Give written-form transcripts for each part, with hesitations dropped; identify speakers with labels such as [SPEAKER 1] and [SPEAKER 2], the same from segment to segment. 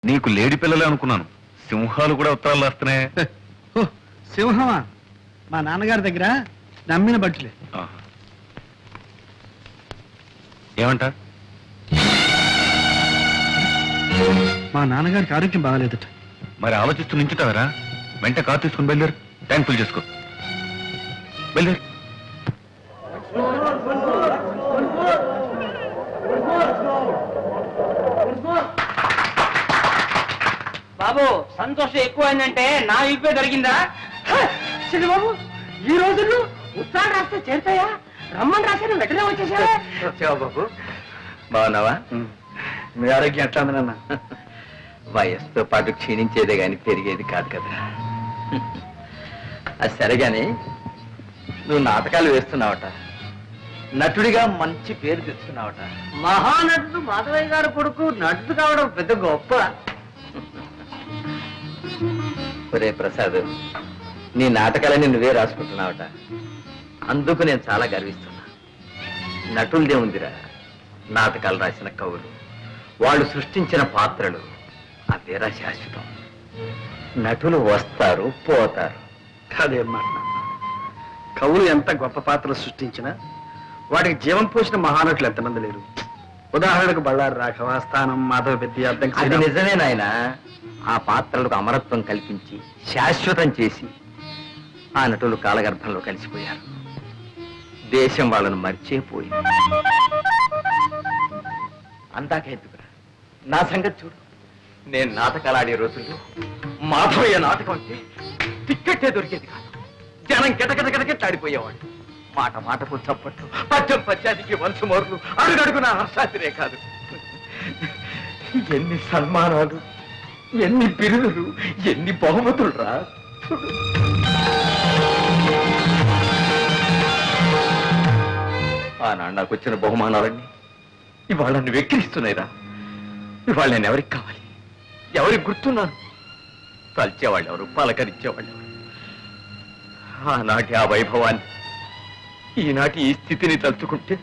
[SPEAKER 1] నీకు లేడి పిల్లలే అనుకున్నాను. సింహాలు కూడా ఉత్తరాలు రాస్తున్నాయి.
[SPEAKER 2] సింహమా? మా నాన్నగారి దగ్గర నమ్మిన బట్టులే.
[SPEAKER 1] ఏమంట?
[SPEAKER 2] మా నాన్నగారికి ఆరోగ్యం బాగాలేదట.
[SPEAKER 1] మరి ఆలోచిస్తూ నించుతావరా? వెంట కారు తీసుకుని బయలుదేరు. ట్యాంక్ ఫుల్ చేసుకో. బయలుదేరు.
[SPEAKER 3] బాబు సంతోషం ఎక్కువైందంటే నా ఇప్పే దొరికిందా? బాబు ఈ రోజుల్లో ఉత్తరాలు రాస్తే చేరుతాయా? రమ్మని రాశాను వెంటనే వచ్చేసావా?
[SPEAKER 4] వచ్చావా బాబు? బాగున్నావా? మీ ఆరోగ్యం ఎట్లా ఉంది నాన్న? వయస్సుతో పాటు క్షీణించేదే గాని పెరిగేది కాదు కదా. అది సరేగాని నువ్వు నాటకాలు వేస్తున్నావట, నటుడిగా మంచి పేరు తెచ్చుకున్నావట.
[SPEAKER 3] మహానటుడు మాధవయ్య గారు కొడుకు నటుడు కావడం పెద్ద గొప్ప.
[SPEAKER 4] ఒరే ప్రసాద్, నీ నాటకాలని నువ్వే రాసుకుంటున్నావట. అందుకు నేను చాలా గర్విస్తున్నా. నటులదే ఉందిరా, నాటకాలు రాసిన కవులు, వాళ్ళు సృష్టించిన పాత్రలు అదేరా శాశ్వతం. నటులు వస్తారు పోతారు.
[SPEAKER 2] కాదేం మాట. కవులు ఎంత గొప్ప పాత్రలు సృష్టించినా వాటికి జీవం పోసిన మహానటులు ఎంతమంది లేరు. ఉదాహరణకు బళ్ళారి రాఘవ, స్థానం, మాధవ పెద్ద.
[SPEAKER 4] అది నిజమే నాయన. ఆ పాత్రలకు అమరత్వం కల్పించి శాశ్వతం చేసి ఆ నటులు కాలగర్భంలో కలిసిపోయారు. దేశం వాళ్ళను మర్చిపోయింది. అందాకెందుకురా, నా సంగతి చూడు. నేను నాటకాలు ఆడే రోజుల్లో మాధవయ్య నాటకం అంటే టిక్కెట్టే దొరికేది కాదు. జనం గిటగిటగిటగిట్లాడిపోయేవాడు. మాట మాటకు చప్పట్లు, పద్యం పద్యానికి వంశమోర్లు, అడుగడుగున హర్షాతిరే కాదు. ఎన్ని సన్మానాలు, ఎన్ని బిరుదులు, ఎన్ని బహుమతులు రా. ఆనాడు నాకు వచ్చిన బహుమానాలన్నీ ఇవాళ నన్ను వెక్కిరిస్తున్నాయిరా. ఇవాళ నేను ఎవరికి కావాలి, ఎవరికి గుర్తున్నాను? తలిచేవాళ్ళు ఎవరు, పలకరించేవాళ్ళు ఎవరు? ఆనాటి ఆ వైభవాన్ని ఈనాటి ఈ స్థితిని తలుచుకుంటే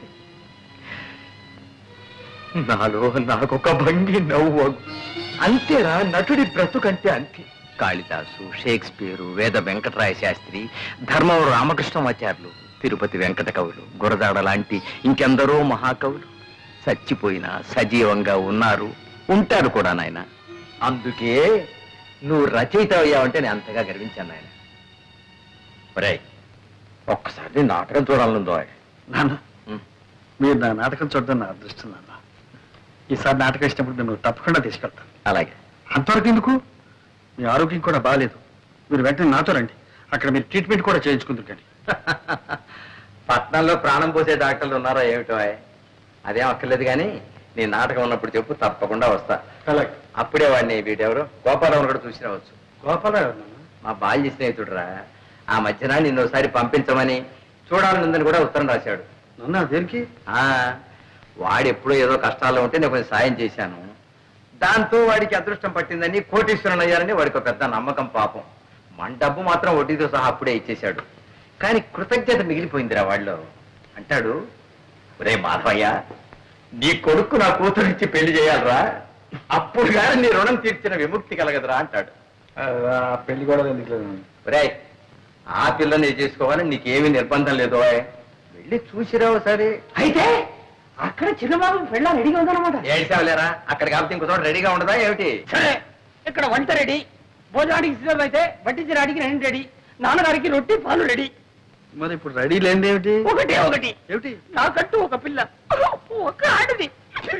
[SPEAKER 4] నాలో నాకొక భంగి నవ్వు. అంతేరా నటుడి బ్రతుకంటే అంతే. కాళిదాసు, షేక్స్పియరు, వేద వెంకటరాయ శాస్త్రి, ధర్మవరం రామకృష్ణమాచార్యులు, తిరుపతి వెంకట కవులు, గురదాడ లాంటి ఇంకెందరో మహాకవులు చచ్చిపోయినా సజీవంగా ఉన్నారు, ఉంటారు కూడా నాయన. అందుకే నువ్వు రచయిత అయ్యావంటే నేను అంతగా గర్వించాను నాయన. ఒరే, ఒక్కసారి నాటకం చూడాలనుందో.
[SPEAKER 2] నాన్న, మీరు నా నాటకం చూడడం నా అదృష్టం నాన్న. ఈసారి నాటకం ఇచ్చినప్పుడు నేను తప్పకుండా తీసుకెళ్తాను.
[SPEAKER 4] అలాగే.
[SPEAKER 2] అంతవరకు ఎందుకు? మీ ఆరోగ్యం కూడా బాగాలేదు. మీరు వెంటనే నాతో రండి. అక్కడ మీరు ట్రీట్మెంట్ కూడా చేయించుకుందరు. కానీ
[SPEAKER 4] పట్నంలో ప్రాణం పోసే డాక్టర్లు ఉన్నారో ఏమిటో? అదేం అక్కర్లేదు కానీ నీ నాటకం ఉన్నప్పుడు చెప్పు, తప్పకుండా వస్తా.
[SPEAKER 2] అలాగే.
[SPEAKER 4] అప్పుడే వాడిని వీటెవరు గోపాలరావు కూడా చూసి రావచ్చు.
[SPEAKER 2] గోపాలరావు
[SPEAKER 4] మా బాల్య స్నేహితుడురా. ఆ మధ్యన నిన్ను ఒకసారి పంపించమని చూడాలనుందని కూడా ఉత్తరం రాశాడు.
[SPEAKER 2] నాన్న, దేనికి?
[SPEAKER 4] వాడు ఎప్పుడో ఏదో కష్టాల్లో ఉంటే నేను కొంచెం సాయం చేశాను. దాంతో వాడికి అదృష్టం పట్టిందని, కోటీశ్వరుని అయ్యారని వాడికి ఒక పెద్ద నమ్మకం. పాపం మన డబ్బు మాత్రం వడ్డీతో సహా అప్పుడే ఇచ్చేశాడు. కానీ కృతజ్ఞత మిగిలిపోయిందిరా వాళ్ళు. అంటాడు, ఒరే మాధవయ్య, నీ కొడుకు నా కూతురిచ్చి పెళ్లి చేయాలరా, అప్పుడు కానీ నీ రుణం తీర్చిన విముక్తి కలగదురా అంటాడు.
[SPEAKER 2] పెళ్లి కూడా ఎందుకు లేదు?
[SPEAKER 4] ఒరే, ఆ పిల్లని చేసుకోవాలని నీకేమీ నిర్బంధం లేదు. వెళ్ళి చూసిరావు సరే.
[SPEAKER 3] అయితే అక్కడ చిన్నబాబు పెళ్ళ రెడీగా ఉందన్నమాట.
[SPEAKER 4] ఏడ్చావులేరా, అక్కడ కాబట్టి ఇంకో చోట రెడీగా ఉండదా ఏమిటి?
[SPEAKER 3] సరే, ఇక్కడ వంట రెడీ, భోజనానికి సిద్ధం అయితే వడ్డించడానికి నేను రెడీ, నాన్నగారికి రొట్టి పాలు రెడీ.
[SPEAKER 2] మరి ఇప్పుడు రెడీ లేనిది ఏమిటి?
[SPEAKER 3] ఒకటే ఒకటి
[SPEAKER 2] ఏమిటి?
[SPEAKER 3] నాకంటూ ఒక పిల్ల, ఒక ఆడది.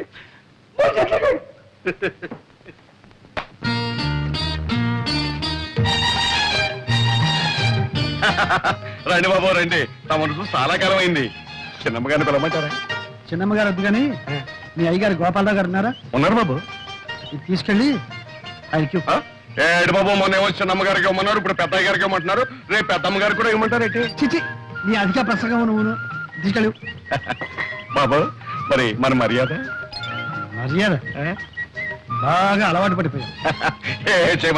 [SPEAKER 1] రండి బాబు రండి. తమను చూసి చాలా కాలం అయింది. చిన్నమ్మగారిని పిలవమంటారా?
[SPEAKER 2] చిన్నమ్మగారు వద్దు కానీ మీ అయ్యగారు గోపాలరావు గారు ఉన్నారా?
[SPEAKER 1] ఉన్నారు బాబు.
[SPEAKER 2] ఇది తీసుకెళ్ళి ఆయనకి.
[SPEAKER 1] ఏడు బాబు, మొన్న ఏమో చిన్నమ్మగారికి ఇవ్వమన్నారు, ఇప్పుడు పెద్దయ్య గారికి ఇవ్వమంటున్నారు, రేపు పెద్దమ్మ గారికి కూడా ఇవ్వమంటారేంటి?
[SPEAKER 2] చిచి, నీ అధిక ప్రసంగం నువ్వు తీసుకెళ్ళి.
[SPEAKER 1] బాబు, మరి మన మర్యాద
[SPEAKER 2] మర్యాద బాగా అలవాటు పడిపోయావు.